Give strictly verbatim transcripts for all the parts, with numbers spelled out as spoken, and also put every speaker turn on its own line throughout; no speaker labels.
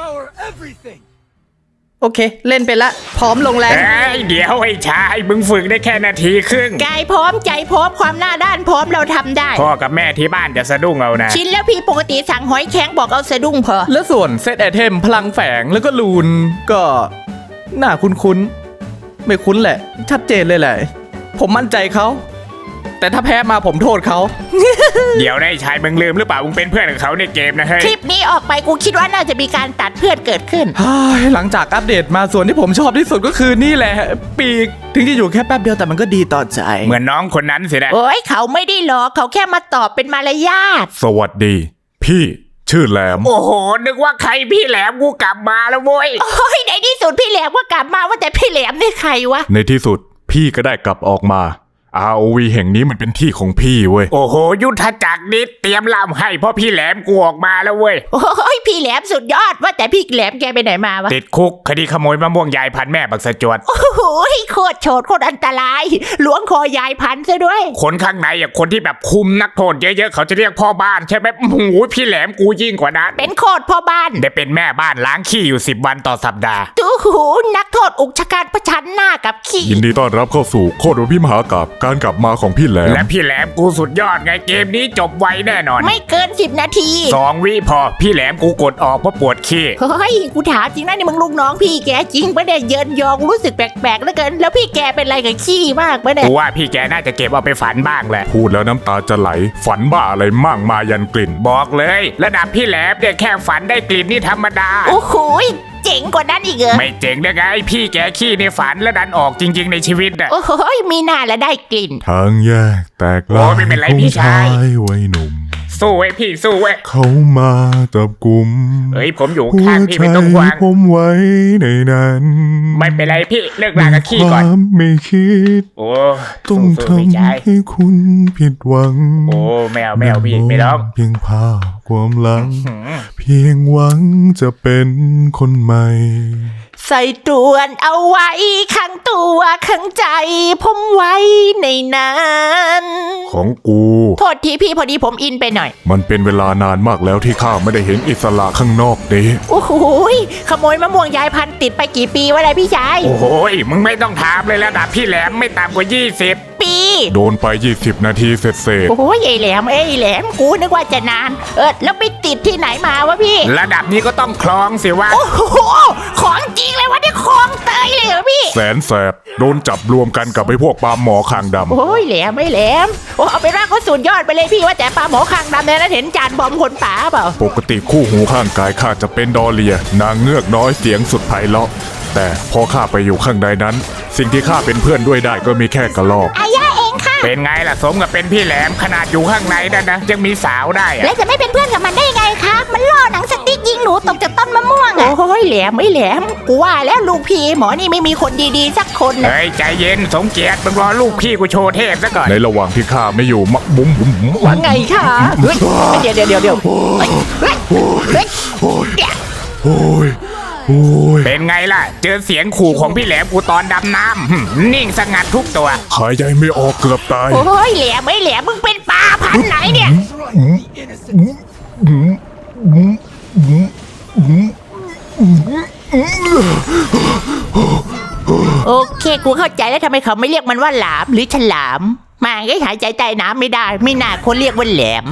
โอเคเล่นไปละพร้อมลงแรง
เอ้ยเดี๋ยวไอ้ชายมึงฝึกได้แค่นาทีครึ่ง
กายพร้อมใจพร้อมความหน้าด้านพร้อมเราทำได้
พ่อกับแม่ที่บ้านจะสะดุ้งเอานะ
ชินแล้วพี่ปกติสั่งหอยแข็งบอกเอาสะดุ้งพอ
แล้วส่วนเซตไอเทมพลังแฝงแล้วก็ลูนก็น่าคุ้นๆไม่คุ้นแหละ ชัดเจนเลยแหละ ผมมั่นใจเขาแต่ถ้าแพ้มาผมโทษเขา
เดี๋ยวได้ชายมึงลืมหรือเปล่ามึงเป็นเพื่อนกับเขาในเกมนะเฮ้ย
คลิปนี้ออกไปกูคิดว่าน่าจะมีการตัดเพื่อนเกิดขึ้น
หลังจากอัปเดตมาส่วนที่ผมชอบที่สุดก็คือนี่แหละ ปีกถึงจะอยู่แค่แป๊บเดียวแต่มันก็ดีต่อใจ
เหมือนน้องคนนั้นสินะ
โอ้ยเขาไม่ได้หลอกเขาแค่มาตอบเป็นมารยาท
สวัสดี พี่ชื่อแหลม
โอ้โหนึกว่าใครพี่แหลมกูกลับมาแล้วเว้ย
โอ้ยในที่สุดพี่แหลมก็กลับมาว่าแต่พี่แหลมนี่ใครวะ
ในที่สุดพี่ก็ได้กลับออกมา อาร์ โอ วี แห่งนี้มันเป็นที่ของพี่เว้ย
โอ้โหยุทธจักรนิดเตรียมลำให้เพราะพี่แหลมกูออกมาแล้วเว้ย
โอ้ยพี่แหลมสุดยอดว่าแต่พี่แหลมแกไปไหนมาวะ
ติดคุกคดีขโมยมะม่วงยายพันแม่บักสะจวด
โอ้โหโคตรโฉดโคตรอันตรายล้วงคอยายพันซะด้วย
คนข้างในอ่ะคนที่แบบคุมนักโทษเยอะๆเขาจะเรียกพ่อบ้านใช่ไหมโอ้โหพี่แหลมกูยิ่งกว่านั้น
เป็นโคตรพ่อบ้าน
ได้เป็นแม่บ้านล้างขี้อยู่สิบวันต่อสัปดาห์
ตู้หูนักโทษอุกชะกันประชันหน้ากับขี้
ยินดีต้อนรับเข้าสู่โคตรพิมหากาบการกลับมาของพี่แหลม
และพี่แหลมกูสุดยอดไงเกมนี้จบไวแน่นอน
ไม่เกินสิบนาที
สองวิพอพี่แหลมกูกดออกเพราะปวดขี้
เฮ้ยกูถามจริงนะนี่มึงลูกน้องพี่แกจริงปะเนี่ยเยินยองรู้สึกแปลกๆเหลือเกินแล้วพี่แกเป็นอะไรกับขี้มากปะเนี่ย
กูว่าพี่แกน่าจะเก็บเอาไปฝันบ้างแหละ
พูดแล้วน้ำตาจะไหลฝันบ้าอะไรมั่งมายันกลิ่น
บอกเลย ระดับพี่แหลมเนี่ยแค่ฝันได้กลิ่นนี่ธรรมดา
โอ้โหเจ๋งกว่านั้นอีกเหรอ
ไม่เจ๋งได้ไงพี่แกขี้ในฝันแล้วดันออกจริง ๆ ในชีวิตอ่ะ
โอ้โหมีหน้าและได้กลิ่น
ทางแยกแตกลา
โอ้
ย
ไม่เป็นไร
ของ
พี่ชาย
วัยหนุ่ม
สู้ไว้พี่สู้ไว้
เขามาจับกลุ่ม
เฮ้ยผมอยู่
หั
ข้าง
ว
พี่
ใจ
ไม่ต้องห่วง
ผมไว้ในนั้น
ไม่เป็นไรพี่เลิกลากับขี้ก่อน
ความไม่คิด
โอ้
ต้อง
สู้ๆไม่
ทำ
ใช่
ให้คุณผิดหวัง
โอ้แมวแมวพี่ไม่ร้อง
เพียงภาพความหลัง
หืม
เพียงหวังจะเป็นคนใหม่
ใส่ตรวนเอาไว้ข้างตัวข้างใจผมไว้ในนั้น
ของกู
โทษทีพี่พอดีผมอินไปหน่อย
มันเป็นเวลานานมากแล้วที่ข้าไม่ได้เห็นอิสระข้างนอกนี้
โอ้โหยขโมยมะม่วงยายพันธุ์ติดไปกี่ปีวะเลยพี่ชาย
โอ้โหยมึงไม่ต้องถามเลยระดับพี่แหลมไม่ต่ำกว่ายี่สิบ
ปี
โดนไปยี่สิบนาทีเสร็จเสร็จ
โอ้ยไอ้แหลมไอ้แหลมกูนึกว่าจะนาน เออแล้วไปติดที่ไหนมาวะพี่
ระดับนี้ก็ต้องคลองสิวะ
โอ้โหของจริงเลยวะเนี่ยของเตยเลยเหรอพี่
แสนแสบโดนจับรวมกันกับไอ้พวกปลาหมอคางดำ
โอ้ยแหลมไม่แหลมโอ้เอาเป็นว่าเขาสุดยอดไปเลยพี่ว่าแต่ปลาหมอคางดำเนี่ยนะเห็นจานบอมคนป่าเปล่า
ปกติคู่หูข้างกายข้าจะเป็นดอเลีย นางเงือกน้อยเสียงสุดไพเราะแต่พอข้าไปอยู่ข้างในนั้น สิ่งที่ข้าเป็นเพื่อนด้วยได้ก็มีแค่กระลอก
อายาเองค่ะ
เป็นไงล่ะสมกับเป็นพี่แหลมขนาดอยู่ข้างในนั่นนะยังมีสาวได้อะ
แล้วจะไม่เป็นเพื่อนกับมันได้ไงคะมันล่อหนังสติ๊กยิงหนูตกจากต้นมะม่วงอะโอ้ยแหลมไม่แหลมกูว่าแล้วลูกพี่หมอนี่ไม่มีคนดีๆสักคนนะ
เฮ้ยใจเย็นสมเกียรติมึงรอลูกพี่กูโชว์เทพซะก่อน
ในระหว่างที่ข้าไม่อยู่มะบุ้มบุ้มบุ้ม
ว่าไงคะเฮ้ยเดี๋ยวเดี๋ยวเดี๋ยวเดี๋ยวเฮ้ยเฮ้ยเฮ้ย
โอ้ยโอ้ย
เป็นไงล่ะ เจอเสียงขู่ของพี่แหลมกูตอนดำน้ำหึ่มนิ่งสงัดทุกตัว
หายใจไม่ออกเกือบตาย
โอ้ยแหลมไม่แหลมมึงเป็นปลาพันธุ์ไหนเนี่ยโอเคกูเข้าใจแล้วทำไมเขาไม่เรียกมันว่าหลามหรือฉลามมาก็หายใจใต้น้ำไม่ได้ไม่น่าคนเรียกว่าแหลม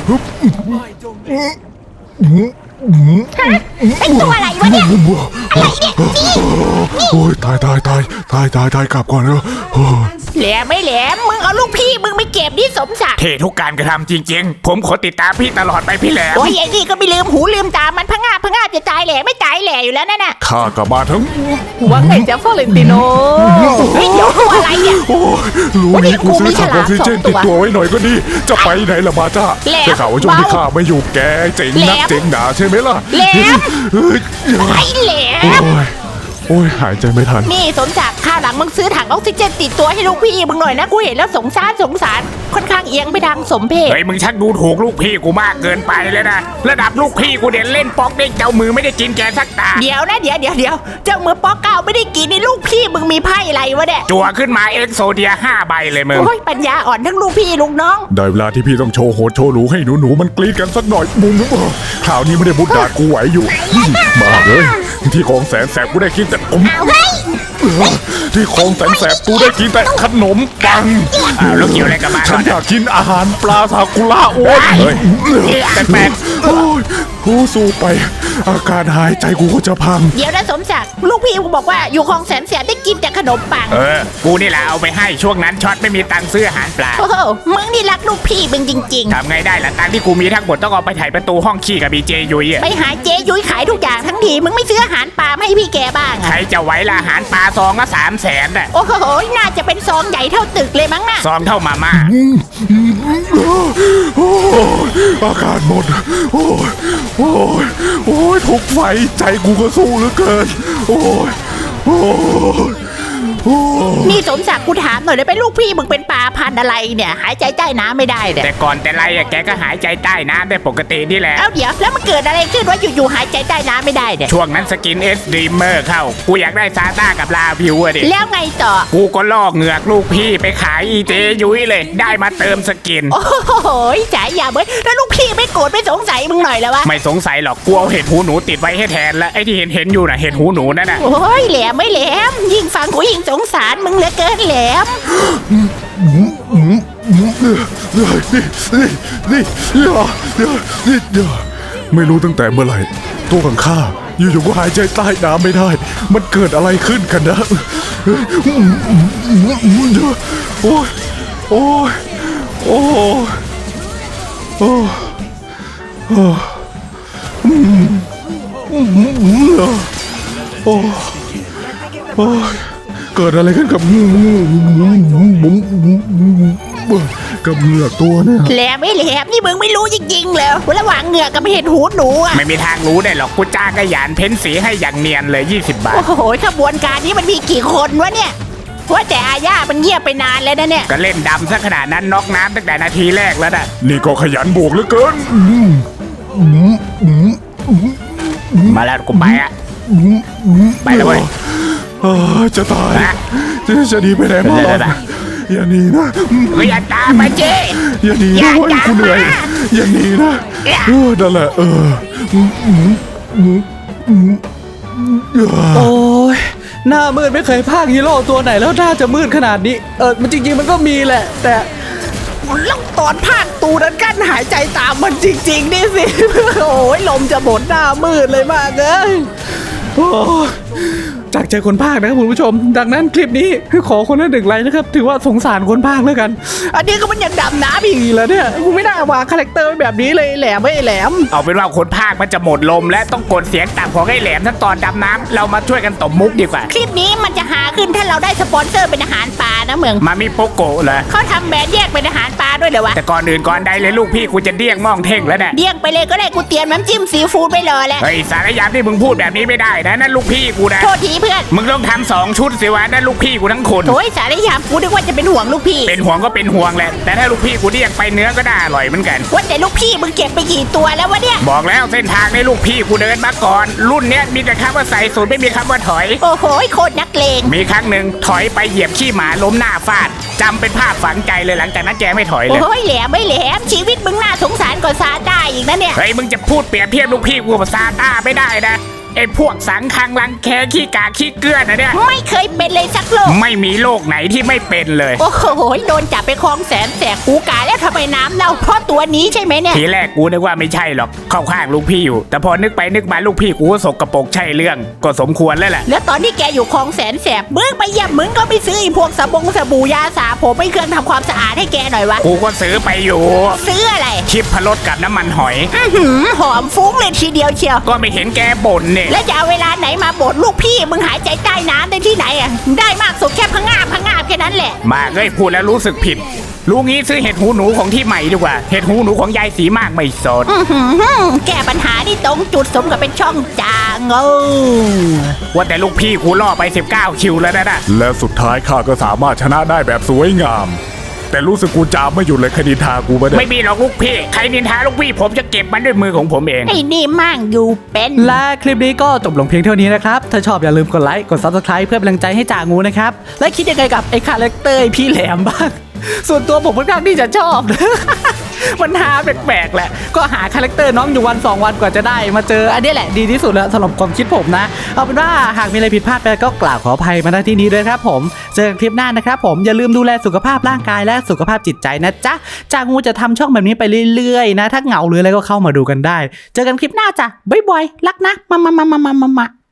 ไอตัวอะไรวะเนี่ยอะไรเนี่ยนี่
โอ้ยตายตายตายตายตายตายกลับก่อนเถอะโอ้ย
แหลมไม่แหลมมึงเอาลูกพี่มึงไปเก็บที่สมศักดิ์
เททุกการกระทำจริงๆ ผมขอติดตามพี่ตลอดไปพี่แหลม
โอ้ยไอ้นี่ก็ไม่ลืมหูลืมตามันพะงาบพะงาบจะตายแหล่ไม่ตายแหล่อยู่แล้วนั่นน่ะ
ข้ากลับมาทั้ง
ว่าไงจ๊ะฟลอเรนติโน
เฮ้ยเดี๋ยวตัวอะไรเนี่ย
โอ้ยรู้นี้กูซื้อถังออกซิเจน
วันนี้กูมีฉลามสองตัว
ติดตัวไว้หน่อยก็ดี จะไปไหนล่ะบาจ้า
แหลม
ได้ข่าวว่าช่วงที่
เบา
ข้าไม่อยู่แกเจ๋งนัก
แหลม
เจ๋งหนาใช่ไหมล่ะ
แหลม
เฮ้ย
ไอ้แหล
โอ้
ม
ยโอ้ยหายใจไม่ทัน
นี่สมศักดิ์ข้าวหลังมึงซื้อถังออกซิเจนติดตัวให้ลูกพี่มึงหน่อยนะกูเห็นแล้วสงสารสงสารค่อนข้างเอียงไปทางสมเพช
เฮ้ยมึงชักดูถูกลูกพี่กูมากเกินไปเลยนะระดับลูกพี่กูเด่นเล่นป๊อกเด้งเจ้ามือไม่ได้กินแกสักตา
เดี๋ยวนะเดี๋ยวเดี๋ยวเดี๋ยวเจ้ามือป๊อกเก้าไม่ได้กินนี่ลูกพี่มึงมีไพ่อะไรวะเนี่ย
จั่วขึ้นมาเอ็กโซเดียห้าใบเลยมึง
โอ้ยปัญญาอ่อนทั้งลูกพี่ลูกน้อง
ได้เวลาที่พี่ต้องโชว์โหดโชว์หรูให้หนูๆมันกรี๊ดกันสักหน่อยมุมข่าวนี้ไม่ได้บุดดากูไหวอยู่มาเลยที่ของแสนแสบกูได้กินแต่ผมที่ของแสนแสบกูได้กินแต่ขนมปัง
อ้าวแล้วเกี่ยวอะไรกับมัน
ฉันอยากกินอาหารปลาซากุระโอ้ยเฮ้ย
แปลก
โอ้ยกูสู้ไป อาการหายใจกูก็จะพัง
เดี๋ยวนะสมศักดิ์ลูกพี่กูบอกว่าอยู่คลองแสนแสบได้กินแต่ขนมปัง
เออกูนี่แหละเอาไปให้ช่วงนั้นช็อตไม่มีตังค์ซื้ออาหารปลา
โอ้โหมึงนี่รักลูกพี่มึงจริง
ทำไงได้ล่ะตังค์ที่กูมีทั้งหมดต้องเอาไปถ่ายประตูห้องขี้กับบีเจยุย
ๆ
อะ
ไปหาเจ๊ยุ้ยขายทุกอย่างทั้งทีมึงไม่ซื้ออาหารปลามาให้พี่แกบ้าง
ใคร
อะ
จะไหวล่ะอาหารปลาซองละสามแสนน่ะ
โอ้โหน่าจะเป็นซองใหญ่เท่าตึกเลยมั้งน่ะ
ซองเท่ามาม่า
โอ้ยอากาศหมด โอ้ยโอ้ยโอ้ยทุกไฟใจกูก็สู้เหลือเกิน โอ้ยโอ้ยโอ้ย
นี่สมศักดิ์กูถามหน่อยเลยเป็นลูกพี่มึงเป็นปลาพันธุ์อะไรเนี่ยหายใจใต้น้ำไม่ได้เนี่ย
แต่ก่อนแต่ไรอะแกก็หายใจใต้น้ำได้ปกตินี่แหละ
เอ้าเดี๋ยวแล้วมันเกิดอะไรขึ้นว่าอยู่ๆหายใจใต้น้ำไม่ได้เนี่ย
ช่วงนั้นสกินเอสดีเมอร์เข้า กูอยากได้ซาต้ากับลาพิวอะดิ
แล้วไงต่อ
กูก็ลอกเหงือกลูกพี่ไปขายอีเจยุ้ยเลย ได้มาเติมสกิน
โอ้โหจ่ายยาเบ้ยแล้วลูกพี่ไม่โกรธไม่สงสัยมึงหน่อยแล้ววะ
ไม่สงสัยหรอกกูเอาเห็ดหูหนูติดไว้ให้แทนแล้วไอ้ที่เห็นเห็นๆอยู่น่ะเห็ดหูหนูนั่นน่ะ
โอ้ยแหลมไม่แหลมยิ่งฟังกูยิ่งสงสารมึงเหลือเกินแหลม
นี่นี่นี่นี่นี่นี่ไม่รู้ตั้งแต่เมื่อไหร่ ตัวของข้าอยู่ๆก็หายใจใต้น้ำไม่ได้ มันเกิดอะไรขึ้นกันนะโอ้ยโอ้ยโอ้ยโอ้ยโอ้ยโอ้ยโอ้ยเกิดอะไรขึ้นกับกับเหงือกตัวเนี่ย
แหลมไม่แหลมนี่มึงไม่รู้จริงๆเลยระหว่างเหงือกกับเห็ดหูหนูอะ
ไม่มีทางรู้ได้หรอกกูจ้างกระยานเพ้นสีให้อย่างเนียนเลยยี่สิบบาท
โอ้โหขบวนการนี้มันมีกี่คนวะเนี่ยว่าแต่อาญามันเงียบไปนานแล้วนะเนี่ย
ก็เล่นดำซะขนาดนั้นน็อกน้ำตั้งแต่นาทีแรกแล้วน่ะ
นี่ก็ขยันบวกเหลือเกิน
มาแล้วกูไปอะไปแล้วเว้ย
เออจะตาย
ฮะ
จะจะดีไปไหนมา
เดี๋ยวๆ
อย่าหนีนะ
เฮ้ยอย่าตามมาเจ้
อย่าหนี
อย่า
นะเว้ย
อย่า
กูเหนื่อย
มา
อย่าหนีนะเออนั่นแหละเออ
โอ้ยหน้ามืดไม่เคยพากฮีโร่ตัวไหนแล้วหน้าจะมืดขนาดนี้เออมันจริงๆมันก็มีแหละ แต่แล้วตอนภาคตูนั้นกั้นหายใจตามมันจริงๆนี่สิ โอ้ยลมจะหมดหน้ามืดเลยมากเลยโอ้ยจากใจคนภาคนะครับคุณผู้ชม ดังนั้นคลิปนี้ขอคนละหนึ่งไลค์นะครับถือว่าสงสารคนภาคแล้วกัน อันนี้ก็มันยังดำน้ำอีกแล้วเนี่ยกูไม่น่าวางคาแรคเตอร์ไว้แบบนี้เลยแหลมไม่แหลม
เอาเป็นว่าคนภาคมันจะหมดลมและต้องกดเสียงต่ำของไอ้แหลมทั้งตอนดำน้ำเรามาช่วยกันตบมุกดีกว่า
คลิปนี้มันจะหาขึ้นถ้าเราได้สปอนเซอร์เป็นอาหารปลานะเมือง
มามีโปโกะเลย
เขาทำแบรนด์แยกเป็นอาหารปลาด้วยเหรอวะ
แต่ก่อนอื่นก่อนใดเลยลูกพี่กูจะเดี้ยงมองเท่งแล้วเนี่ย
เดี่ยงไปเลยก็ได้กูเตรียมน้ำจิ้มซีฟู้ดไปรอแล้ว
เฮ้ยสารยามที่มึงพูดแบบนี้ไม่ได้นะนั่นลูกพี่กูนะ
โทษทีเพื่อน
มึงต้องทำสองชุดสิวะนั่นลูกพี่กูทั้งคน
โอ้ยสารยามกูนึกว่าจะเป็นห่วงลูกพี่
เป็นห่วงก็เป็นห่วงแหละแต่ถ้าลูกพี่กูเดี้ยงไปเนื้อก็น่าอร่อยเหมือนกัน
ว่าแต่ลูกพี่มึงเก็บไปกี่ตัวแล้ววะเนี่ย
บอกแล้วเส้นทางในลูกพี่กูเดินมาก่อน รุ่นเนี้ยมีแต่คำว่าใส่สูตรไม่มีคำว่าถอย
โอ้โหโคตรนักเลง
มีครั้งหนึ่งถอยไปเหยียบขี้หมาล้มหน้าฟาดจำเป็นภาพฝังใจเลยหลังจากนั้นแกไม่ถอยเลย
โอ้ยแหลมไม่แหลมชีวิตมึงน่าสงสารกว่าซาต้าอีกนะเนี่ย
เฮ้ยมึงจะพูดเปรียบเทียบลูกพี่กูกับซาต้าไม่ได้นะไอ้พวกสังคังรังแคขี้กาขี้เกลือนนะเนี่ย
ไม่เคยเป็นเลยสักโลก
ไม่มีโลกไหนที่ไม่เป็นเลย
โอ้โหโดนจับไปคลองแสนแสบกูกาแล้วทำไมน้ำเน่าเพราะตัวนี้ใช่ไหมเนี่ย
ทีแรกกูนึกว่าไม่ใช่หรอกเข้าข้างลูกพี่อยู่ แต่พอนึกไปนึกมาลูกพี่กูก็สกปรกใช่เรื่องก็สมควรแล้วแหละ
แล้วตอนที่แกอยู่คลองแสนแสบมึงไปเยี่ยมมึงก็ไปซื้อไอ้พวกสบงสบู่ยาสระผมไปเครื่องทำความสะอาดให้แกหน่อยวะ
กูก็ซื้อไปอยู่
ซื้ออะไร
ชิปพะรสกับน้ำมันหอย
อื้อหือหอมฟุ้งเลยทีเดียวเชียว
ก็ไม่เห็นแกบ่นเนี่ย
แล้วจะเอาเวลาไหนมาบ่นลูกพี่มึงหายใจใต้น้ำได้ที่ไหนอ่ะได้มากสุดแค่พะงาบพะงาบแค่นั้นแหละ
มาเอ้ยพูดแล้วรู้สึกผิดรู้งี้ซื้อเห็ดหูหนูของที่ใหม่ดีกว่าเห็ดหูหนูของยายสีมากไม่สด
อื้อหือแก้ปัญหาที่ตรงจุดสมกับเป็นช่องจางเออ
ว่าแต่ลูกพี่กูล่อไปสิบเก้าคิวแล้วนะนะ
และสุดท้ายข้าก็สามารถชนะได้แบบสวยงาม แต่รู้สึกกูจามไม่หยุดเลยคดีทากูไม่ได้
ไม่มีหรอกลูกพี่ใครนินทาลูกพี่ผมจะเก็บมันด้วยมือของผมเอง
ไอ้นี่มั่งอยู่เป็น
และคลิปนี้ก็จบลงเพียงเท่านี้นะครับ ถ้าชอบอย่าลืมกดไลค์กด ซับสไครบ์ เพื่อเป็นกำลังใจให้จ่างูนะครับ และคิดยังไงกับไอ้คาแรคเตอร์พี่แหลมบ้าง ส่วนตัวผมค่อนข้างที่จะชอบ มันหาแปลกๆแหละ ก็หาคาแรคเตอร์น้องอยู่วันสองวันกว่าจะได้มาเจออันนี้แหละดีที่สุดแล้วสำหรับความคิดผมนะ เอาเป็นว่าหากมีอะไรผิดพลาดไปก็กล่าวขออภัยมาณที่นี้ด้วยครับผมเจอกันคลิปหน้านะครับผมอย่าลืมดูแลสุขภาพร่างกายและสุขภาพจิตใจนะจ๊ะจ่างูจะทำช่องแบบนี้ไปเรื่อยๆนะถ้าเหงาหรืออะไรก็เข้ามาดูกันได้ เจอกันคลิปหน้าจ้ะบ๊ายบายรักนะมามามามามามา